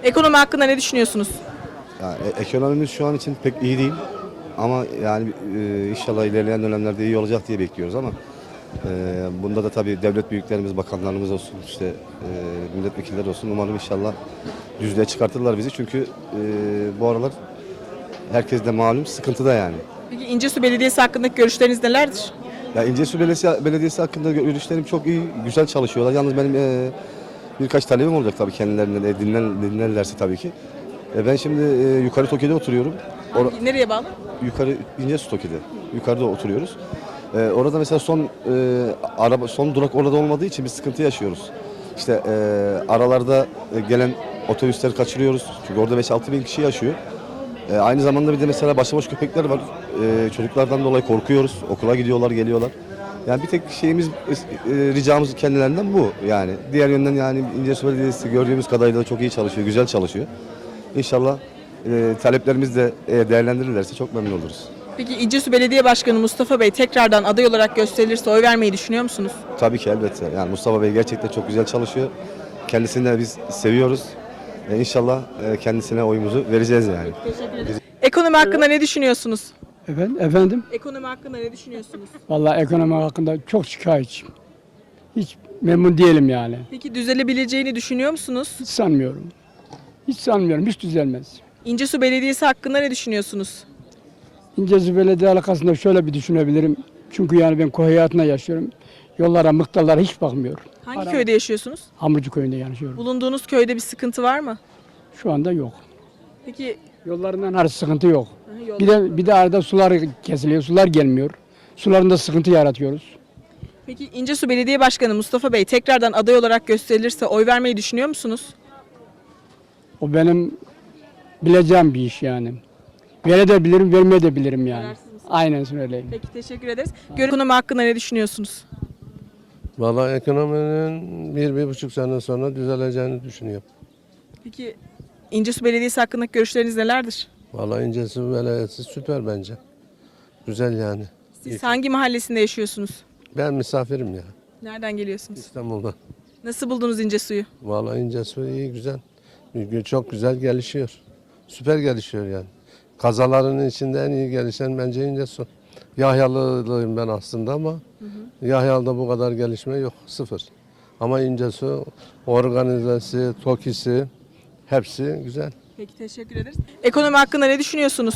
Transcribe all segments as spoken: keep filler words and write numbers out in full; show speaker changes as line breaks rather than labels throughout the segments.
Ekonomi hakkında ne düşünüyorsunuz?
Yani e- ekonomimiz şu an için pek iyi değil. Ama yani e, inşallah ilerleyen dönemlerde iyi olacak diye bekliyoruz ama e, bunda da tabii devlet büyüklerimiz, bakanlarımız olsun, işte e, milletvekilleri olsun. Umarım inşallah düzlüğe çıkartırlar bizi. Çünkü e, bu aralar herkes de malum sıkıntıda yani.
Peki İncesu Belediyesi hakkındaki görüşleriniz nelerdir?
Ya İncesu Belediyesi, Belediyesi hakkında görüşlerim çok iyi, güzel çalışıyorlar. Yalnız benim e, birkaç talebim olacak tabii kendilerinden, e, dinler, dinlerlerse tabii ki. E, ben şimdi e, yukarı Toki'de oturuyorum. Or-
Hangi, nereye bağlı?
yukarı İncesu Toki'de. Yukarıda oturuyoruz. E, orada mesela son e, araba son durak orada olmadığı için bir sıkıntı yaşıyoruz. İşte e, aralarda e, gelen otobüsleri kaçırıyoruz. Çünkü orada beş altı bin kişi yaşıyor. E, aynı zamanda bir de mesela başıboş köpekler var. E, çocuklardan dolayı korkuyoruz. Okula gidiyorlar, geliyorlar. Yani bir tek şeyimiz, e, ricamız kendilerinden bu yani. Diğer yönden yani İncesu Belediyesi gördüğümüz kadarıyla çok iyi çalışıyor, güzel çalışıyor. İnşallah e, taleplerimiz de e, değerlendirilirse çok memnun oluruz.
Peki İncesu Belediye Başkanı Mustafa Bey tekrardan aday olarak gösterilirse oy vermeyi düşünüyor musunuz?
Tabii ki elbette. Yani Mustafa Bey gerçekten çok güzel çalışıyor. Kendisini de biz seviyoruz. E, İnşallah e, kendisine oyumuzu vereceğiz yani.
Ekonomi hakkında ne düşünüyorsunuz?
Efendim, efendim?
Ekonomi hakkında ne düşünüyorsunuz?
Vallahi ekonomi hakkında çok şikayetçiyim. Hiç memnun değilim yani.
Peki düzelebileceğini düşünüyor musunuz?
Hiç sanmıyorum. Hiç sanmıyorum. Hiç düzelmez.
İncesu Belediyesi hakkında ne düşünüyorsunuz?
İncesu Belediye alakasında şöyle bir düşünebilirim. Çünkü yani ben köy hayatında yaşıyorum. Yollara, mıktarlara hiç bakmıyorum.
Hangi
Ara-
köyde yaşıyorsunuz?
Hamurcu köyünde yaşıyorum.
Bulunduğunuz köyde bir sıkıntı var mı?
Şu anda yok.
Peki
Yollarından her sıkıntı yok.
yol-
Bir de bir de arada sular kesiliyor. Sular gelmiyor. Sularında sıkıntı yaratıyoruz.
Peki İncesu Belediye Başkanı Mustafa Bey tekrardan aday olarak gösterilirse oy vermeyi düşünüyor musunuz?
O benim bileceğim bir iş yani. Verebilirim, vermeyebilirim yani.
Kararsız mısınız?
Aynen söyleyeyim.
Peki teşekkür ederiz. Gör- Ekonomi hakkında ne düşünüyorsunuz?
Vallahi ekonominin bir, bir buçuk sene sonra düzeleceğini düşünüyorum.
Peki İncesu Belediyesi hakkındaki görüşleriniz nelerdir?
Vallahi İncesu Belediyesi süper bence. Güzel yani.
Siz hangi mahallesinde yaşıyorsunuz?
Ben misafirim ya
Nereden geliyorsunuz?
İstanbul'dan.
Nasıl buldunuz İncesu'yu?
Vallahi İncesu iyi güzel. Çok güzel gelişiyor. Süper gelişiyor yani. Kazaların içinde en iyi gelişen bence İncesu. Yahyalılıyım ben aslında ama Yahyalı'da bu kadar gelişme yok. Sıfır. Ama İncesu organizesi, TOKİ'si hepsi güzel.
Peki teşekkür ederiz. Ekonomi hakkında ne düşünüyorsunuz?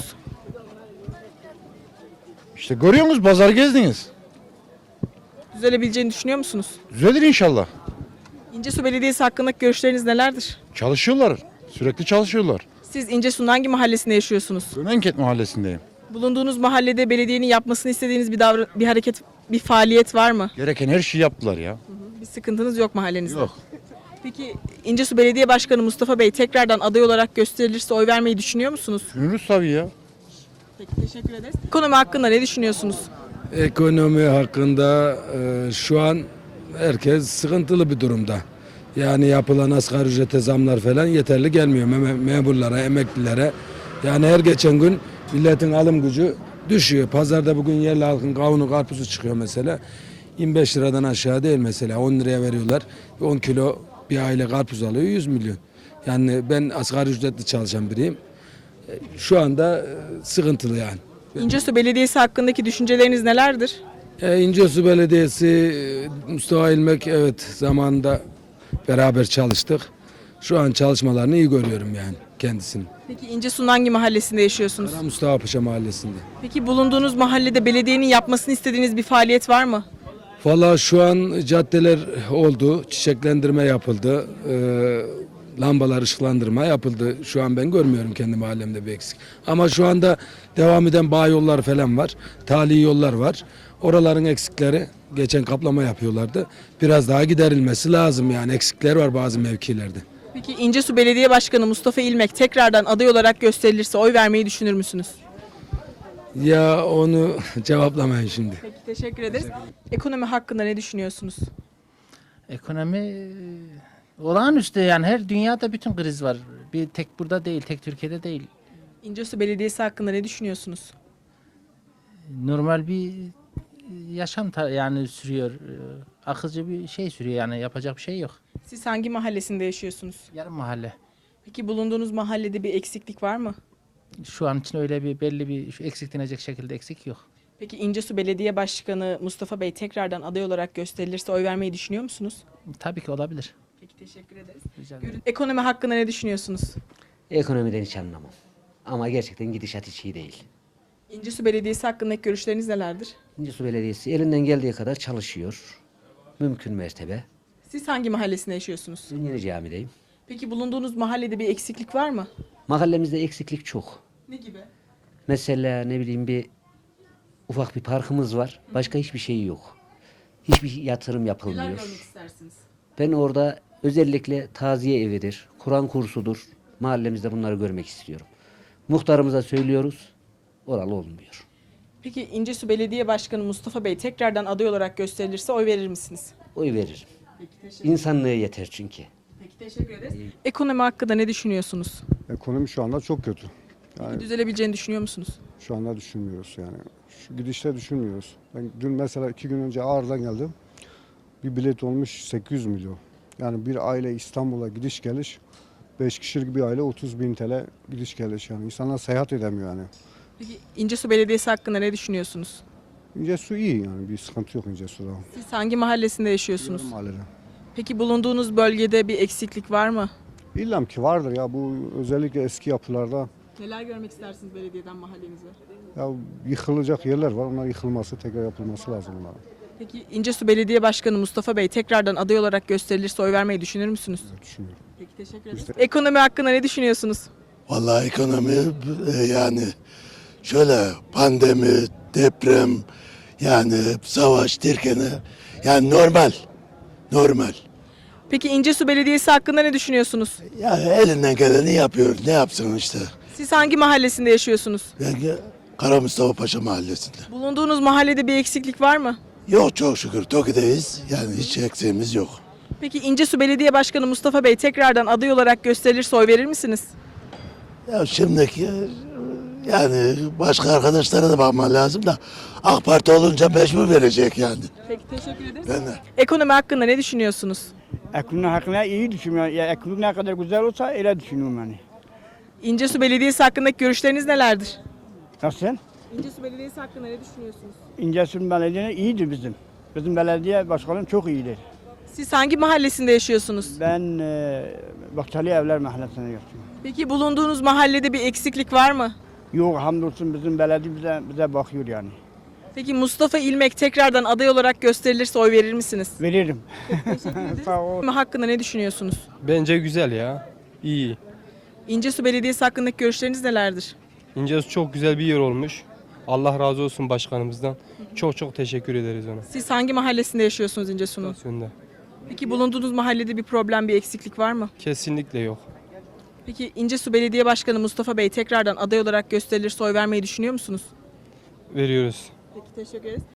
İşte görüyorsunuz pazar gezdiniz.
Düzelebileceğini düşünüyor musunuz?
Düzelir inşallah.
İncesu Belediyesi hakkındaki görüşleriniz nelerdir?
Çalışıyorlar. Sürekli çalışıyorlar.
Siz İncesu'nun hangi mahallesinde yaşıyorsunuz?
Gömenket mahallesindeyim.
Bulunduğunuz mahallede belediyenin yapmasını istediğiniz bir davran bir hareket, bir faaliyet var mı?
Gereken her şeyi yaptılar ya.
Bir sıkıntınız yok mahallenizde.
Yok.
Peki İncesu Belediye Başkanı Mustafa Bey tekrardan aday olarak gösterilirse oy vermeyi düşünüyor musunuz?
Düşünürüz tabii ya.
Peki teşekkür ederiz. Ekonomi hakkında ne düşünüyorsunuz?
Ekonomi hakkında e, şu an herkes sıkıntılı bir durumda. Yani yapılan asgari ücrete zamlar falan yeterli gelmiyor Mem- memurlara, emeklilere. Yani her geçen gün milletin alım gücü düşüyor. Pazarda bugün yerli halkın kavunu, karpuzu çıkıyor mesela. yirmi beş liradan aşağı değil mesela. on liraya veriyorlar. on kilo bir aile karpuz alıyor yüz milyon. Yani ben asgari ücretli çalışan biriyim. E, Şu anda e, sıkıntılı yani.
İncesu Belediyesi hakkındaki düşünceleriniz nelerdir?
E, İncesu Belediyesi, e, Mustafa İlmek evet zamanında beraber çalıştık. Şu an çalışmalarını iyi görüyorum yani kendisini.
Peki İncesu'nun hangi mahallesinde yaşıyorsunuz?
Kara Mustafa Paşa Mahallesi'nde.
Peki bulunduğunuz mahallede belediyenin yapmasını istediğiniz bir faaliyet var mı?
Valla şu an caddeler oldu, çiçeklendirme yapıldı, e, lambalar ışıklandırma yapıldı. Şu an ben görmüyorum kendi mahallemde bir eksik. Ama şu anda devam eden bağ yollar falan var, tali yollar var. Oraların eksikleri, geçen kaplama yapıyorlardı. Biraz daha giderilmesi lazım yani eksikler var bazı mevkilerde.
Peki İncesu Belediye Başkanı Mustafa İlmek tekrardan aday olarak gösterilirse oy vermeyi düşünür müsünüz?
Ya onu cevaplamayın şimdi.
Peki teşekkür ederiz. Ekonomi hakkında ne düşünüyorsunuz?
Ekonomi e, olağanüstü yani her dünyada bütün kriz var. Bir tek burada değil, tek Türkiye'de değil.
İncesu Belediyesi hakkında ne düşünüyorsunuz?
Normal bir yaşam ta- yani sürüyor. E, Akıcı bir şey sürüyor yani yapacak bir şey yok.
Siz hangi mahallesinde yaşıyorsunuz?
Yarım mahalle.
Peki bulunduğunuz mahallede bir eksiklik var mı?
Şu an için öyle bir belli bir şu eksiklenecek şekilde eksik yok.
Peki İncesu Belediye Başkanı Mustafa Bey tekrardan aday olarak gösterilirse oy vermeyi düşünüyor musunuz?
Tabii ki olabilir.
Peki teşekkür ederiz.
Rica ederim.
Ekonomi hakkında ne düşünüyorsunuz?
Ekonomiden hiç anlamam. Ama gerçekten gidişat hiç iyi değil.
İncesu Belediyesi hakkındaki görüşleriniz nelerdir?
İncesu Belediyesi elinden geldiği kadar çalışıyor. Mümkün mertebe.
Siz hangi mahallesinde yaşıyorsunuz?
Ben Yeni Cami'deyim.
Peki bulunduğunuz mahallede bir eksiklik var mı?
Mahallemizde eksiklik çok.
Ne gibi?
Mesela ne bileyim bir ufak bir parkımız var. Başka hiçbir şey yok. Hiçbir yatırım
Neler
yapılmıyor.
görmek istersiniz?
Ben orada özellikle taziye evidir, Kur'an kursudur. Mahallemizde bunları görmek istiyorum. Muhtarımıza söylüyoruz. Oralı olmuyor.
Peki İncesu Belediye Başkanı Mustafa Bey tekrardan aday olarak gösterilirse oy verir misiniz?
Oy veririm.
Peki teşekkür,
İnsanlığı yeter çünkü.
Peki, teşekkür ederiz. Ekonomi hakkında ne düşünüyorsunuz?
Ekonomi şu anda çok kötü.
Peki düzelebileceğini düşünüyor musunuz?
Şu anda düşünmüyoruz yani. Şu gidişte düşünmüyoruz. Ben dün mesela iki gün önce Ağrı'dan geldim. Bir bilet olmuş sekiz yüz milyon. Yani bir aile İstanbul'a gidiş geliş, beş kişilik bir aile otuz bin T L gidiş geliş yani. İnsanlar seyahat edemiyor yani.
Peki İncesu Belediyesi hakkında ne düşünüyorsunuz?
İncesu iyi yani, bir sıkıntı yok İncesu'da.
Siz hangi mahallesinde yaşıyorsunuz?
Mahallede.
Peki bulunduğunuz bölgede bir eksiklik var mı?
İllam ki vardır ya, bu özellikle eski yapılarda
Neler görmek istersiniz belediyeden mahallenize?
ya yıkılacak yerler var. Onlar yıkılması, tekrar yapılması lazım onların.
Peki İncesu Belediye Başkanı Mustafa Bey tekrardan aday olarak gösterilirse oy vermeyi düşünür müsünüz?
Düşünüyorum.
Peki teşekkür ederiz.
Biz de-
Ekonomi hakkında ne düşünüyorsunuz?
Vallahi ekonomi e, yani şöyle pandemi, deprem, yani savaş derken yani normal, normal.
Peki İncesu Belediyesi hakkında ne düşünüyorsunuz?
Yani elinden geleni yapıyor. Ne yapsın işte.
Siz hangi mahallesinde yaşıyorsunuz?
Ben Kara Mustafa Paşa Mahallesi'nde.
Bulunduğunuz mahallede bir eksiklik var mı?
Yok çok şükür Toki'deyiz. Yani hiç eksiğimiz yok.
Peki İncesu Belediye Başkanı Mustafa Bey tekrardan aday olarak gösterilirse oy verir misiniz?
Ya şimdiki yani başka arkadaşlara da bakman lazım da AK Parti olunca mecbur verecek yani.
Peki teşekkür ederiz.
Ben de.
Ekonomi hakkında ne düşünüyorsunuz?
Ekonomi hakkında iyi düşünüyorum. Ya ekonomi ne kadar güzel olsa öyle düşünüyorum yani.
İncesu Belediyesi hakkındaki görüşleriniz nelerdir?
Nasıl?
İncesu Belediyesi hakkında ne düşünüyorsunuz?
İncesu Belediye iyidir bizim. Bizim belediye başkanı çok iyidir.
Siz hangi mahallesinde yaşıyorsunuz?
Ben e, Bahçeli Evler Mahallesi'nde yaşıyorum.
Peki bulunduğunuz mahallede bir eksiklik var mı?
Yok hamdolsun bizim belediye bize, bize bakıyor yani.
Peki Mustafa İlmek tekrardan aday olarak gösterilirse oy verir misiniz?
Veririm. Sağ ol.
Ekonomi hakkında ne düşünüyorsunuz?
Bence güzel ya. İyi.
İncesu Belediyesi hakkındaki görüşleriniz nelerdir?
İncesu çok güzel bir yer olmuş. Allah razı olsun başkanımızdan. Çok çok teşekkür ederiz ona.
Siz hangi mahallesinde yaşıyorsunuz İncesu'nun?
Stasyonda.
Peki bulunduğunuz mahallede bir problem, bir eksiklik var mı?
Kesinlikle yok.
Peki İncesu Belediye Başkanı Mustafa Bey tekrardan aday olarak gösterilirse oy vermeyi düşünüyor musunuz?
Veriyoruz.
Peki teşekkür ederiz.